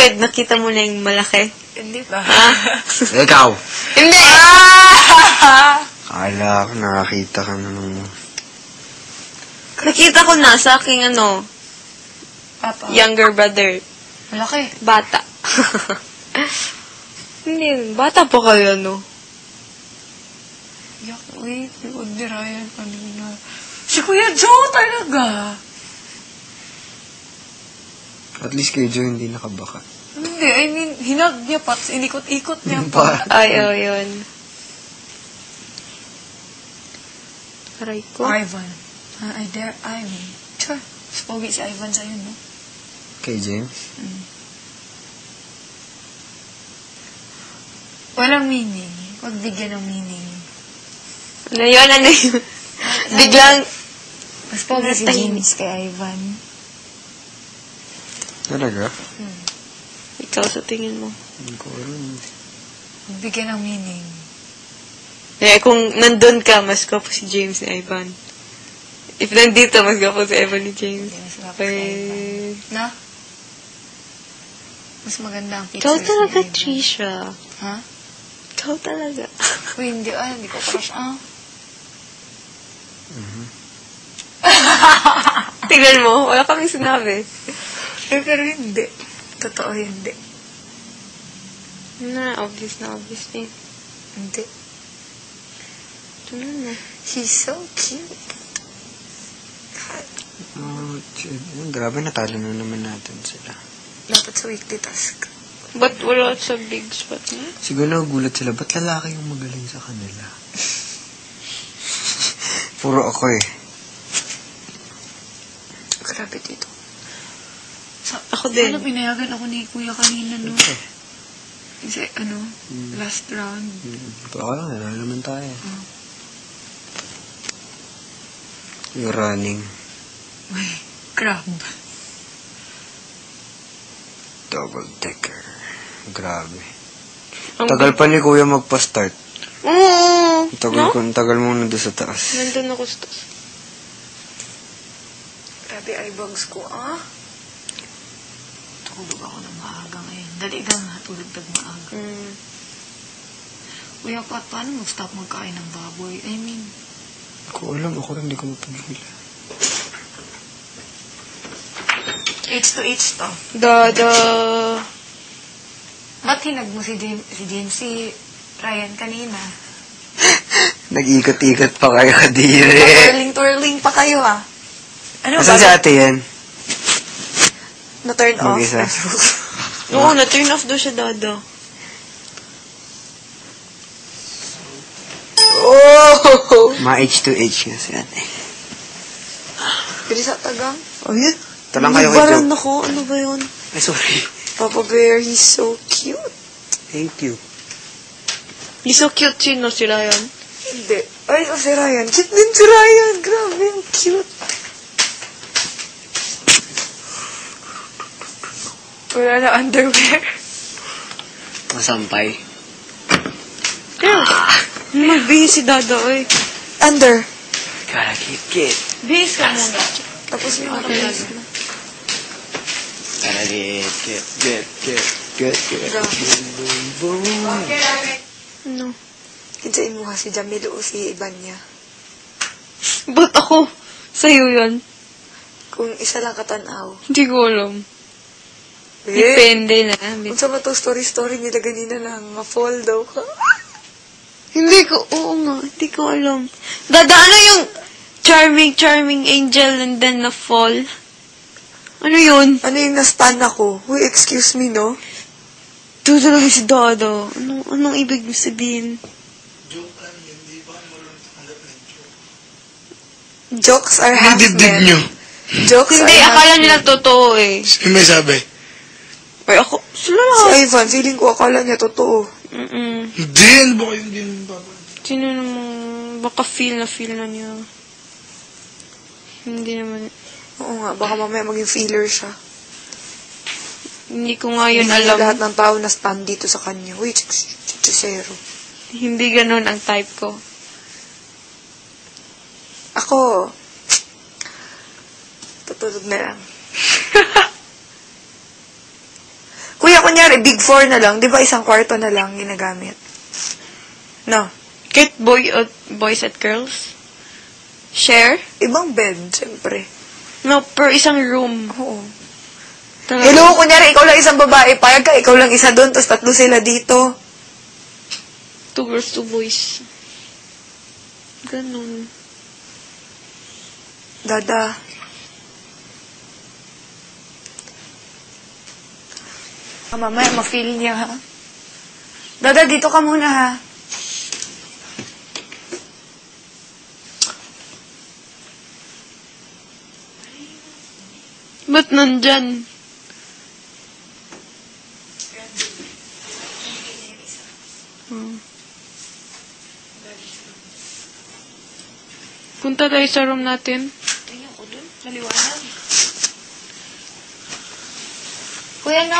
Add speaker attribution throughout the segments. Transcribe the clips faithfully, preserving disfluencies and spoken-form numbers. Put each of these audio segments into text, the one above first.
Speaker 1: Bakit? Nakita mo na yung malaki?
Speaker 2: Hindi ba?
Speaker 1: Ha?
Speaker 3: Ikaw!
Speaker 1: Hindi!
Speaker 3: Kala ko nakakita ka na ng...
Speaker 1: Nakita ko na sa aking ano,
Speaker 2: Papa.
Speaker 1: younger brother.
Speaker 2: Malaki.
Speaker 1: Bata. Hindi, bata pa kayo, no?
Speaker 2: Yak, wait. Huwag ni Ryan kanina. Si Kuya Joe talaga.
Speaker 3: At least kay Joe hindi nakabaka.
Speaker 2: Hindi, I mean, hinag niya pa, inikot-ikot niya
Speaker 3: Pa.
Speaker 2: pa.
Speaker 1: Ay, oh, yun. Aray ko.
Speaker 2: Ivan. Ah, I dare Ivan. Sure. Spogi si Ivan sa'yo, no?
Speaker 3: Kay James?
Speaker 2: Mm. Walang meaning. Huwag bigyan ng meaning.
Speaker 1: Ano yun? Ano yun? Biglang...
Speaker 2: Mas pogi si
Speaker 1: Natahimik.
Speaker 2: James kay Ivan.
Speaker 3: Talaga?
Speaker 2: Hmm.
Speaker 1: Ikaw sa tingin mo.
Speaker 3: Hindi ko alam.
Speaker 2: Huwag bigyan ng meaning.
Speaker 1: Eh, kung nandun ka, mas gwapo si James ni Ivan. If nandito, mas gwapo si Ivan ni James.
Speaker 2: Hindi, mas gwapo si Ivan.
Speaker 1: Eh,
Speaker 2: Na? Mas maganda ang pictures
Speaker 1: ikaw talaga,
Speaker 2: ni Ivan.
Speaker 1: Trisha.
Speaker 2: Ha?
Speaker 1: Ikaw talaga.
Speaker 2: Uy, hindi ah. Hindi ko crush ah.
Speaker 1: Tingnan mo, wala kaming sinabi.
Speaker 2: Eh, pero hindi. Totoo hindi.
Speaker 1: Na, obvious na obvious eh.
Speaker 2: Hindi.
Speaker 1: Tingnan mo.
Speaker 2: He's so cute.
Speaker 3: Oh, shit. Grabe, natalo na naman natin sila.
Speaker 2: Dapat sa weekly task.
Speaker 1: Ba't wala sa big spot niya?
Speaker 3: Siguro nagugulat sila, ba't lalaki yung magaling sa kanila? Puro ako eh.
Speaker 2: Grabe dito. Sa,
Speaker 1: Ako din.
Speaker 2: Ano, pinayagan ako ni Kuya kanina, no?
Speaker 3: Okay.
Speaker 2: Kasi, ano,
Speaker 3: Hmm.
Speaker 2: last round.
Speaker 3: Hmm. Ito ako lang, nanalo naman tayo.
Speaker 2: Oh.
Speaker 3: Yung running.
Speaker 2: Uy, crab.
Speaker 3: Double decker. Grabe.
Speaker 1: Ang
Speaker 3: Tagal pa ni Kuya magpa-start.
Speaker 1: Oo!
Speaker 3: Tagal
Speaker 1: No?
Speaker 3: ko, tagal mo nandun sa taas.
Speaker 1: Nandun ako sa taas.
Speaker 2: Grabe, eyebags ko, ah. Tulog ako ng maaga ngayon. Dali lang ha, tulog ng maaga.
Speaker 1: Mm.
Speaker 2: Kuya, pa, paano mag-stop magkain ng baboy? I mean,
Speaker 3: Ko alam, ako rin hindi ko mapagila.
Speaker 2: H to H to.
Speaker 1: The, the...
Speaker 2: Ba't hinag mo si James, si James, si Ryan kanina?
Speaker 3: Nag-ikot-ikot pa kayo kadiri.
Speaker 2: Twirling-twirling pa kayo, ah. Ano
Speaker 3: Asan si ate yan?
Speaker 2: Na-turn off?
Speaker 3: Mag-isa.
Speaker 1: Oo, na-turn off daw siya, Dada.
Speaker 3: Oh! Ma-H to H nga si ate.
Speaker 2: Pili sa tagang?
Speaker 1: Oh, yun?
Speaker 3: Ito lang kayo kay
Speaker 1: Baran
Speaker 3: Joe.
Speaker 1: ako. Ano ba yun?
Speaker 3: Ay, sorry.
Speaker 2: Papa Bear, he's so cute.
Speaker 3: Thank you.
Speaker 1: He's so cute, sino si Ryan?
Speaker 2: Hindi. Ay, oh, si Ryan. Cute din si Ryan. Grabe, ang cute. Wala na underwear.
Speaker 3: Masampay.
Speaker 1: Yeah. Magbihis si Dada, oy.
Speaker 2: Under.
Speaker 3: Gotta keep it.
Speaker 1: Bihis ka muna.
Speaker 2: Tapos yung
Speaker 1: Okay.
Speaker 2: okay.
Speaker 3: Gotta get, get, get, get, get, get. Boom, boom, boom.
Speaker 1: Ano?
Speaker 2: Kinsain mo kasi Jamil o si Ibanya.
Speaker 1: Ba't ako? Sa'yo yun?
Speaker 2: Kung isa lang katanaw.
Speaker 1: Hindi ko alam.
Speaker 2: Eh,
Speaker 1: Depende na.
Speaker 2: kung sa ba to story-story nila ganina lang, ma-fall daw ka.
Speaker 1: Hindi ko, oo nga, hindi ko alam. Dada, ano yung charming, charming angel and then na fall? Ano yun?
Speaker 2: Ano yung na-stun ako? Uy, excuse me, no?
Speaker 1: Ito talaga si Dada. Anong, anong ibig mo sabihin?
Speaker 2: Jokes are half
Speaker 4: Dibdib
Speaker 2: men.
Speaker 4: nyo.
Speaker 2: Jokes
Speaker 1: Hindi,
Speaker 2: are half
Speaker 1: akala
Speaker 2: men.
Speaker 1: nila totoo eh.
Speaker 4: Sino may sabi?
Speaker 1: Ay, ako, sila
Speaker 2: Si
Speaker 1: lang.
Speaker 2: Ivan, feeling ko akala niya totoo.
Speaker 1: Mm-mm.
Speaker 4: Hindi, ano ba kayo hindi naman baba?
Speaker 1: Sino namang, baka feel na feel na niya. Hindi naman,
Speaker 2: Oo nga, baka mamaya maging feeler siya.
Speaker 1: hindi ko nga yun
Speaker 2: Hindi
Speaker 1: alam.
Speaker 2: lahat ng tao na stand dito sa kanya. Uy, chichisero.
Speaker 1: Hindi ganun ang type ko.
Speaker 2: Ako, tutulog na lang. Kuya, kunyari, big four na lang, di ba isang kwarto na lang ginagamit? No.
Speaker 1: Kahit boy at boys at girls? Share?
Speaker 2: Ibang bed, siyempre.
Speaker 1: No, per isang room.
Speaker 2: Oo.
Speaker 1: Talaga.
Speaker 2: Hello, kunyari, ikaw lang isang babae, payag ka, ikaw lang isa doon, tapos tatlo sila dito.
Speaker 1: Two girls, two boys. Ganun.
Speaker 2: Dada. Ah, mamaya, ma-feel niya, ha? Dada, dito ka muna, ha?
Speaker 1: Ba't nandyan? Hmm. Punta tayo sa room natin.
Speaker 2: Tingnan ko dun, maliwanag. Kuya, no?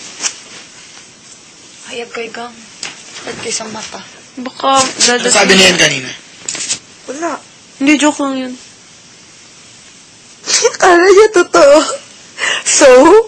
Speaker 2: Hayag kay Gang. Ba't isang mata?
Speaker 1: Baka
Speaker 4: Ano
Speaker 1: dadating.
Speaker 4: sabi niya yan kanina?
Speaker 2: Wala.
Speaker 1: Hindi, joke lang yun.
Speaker 2: Akala niya totoo. So?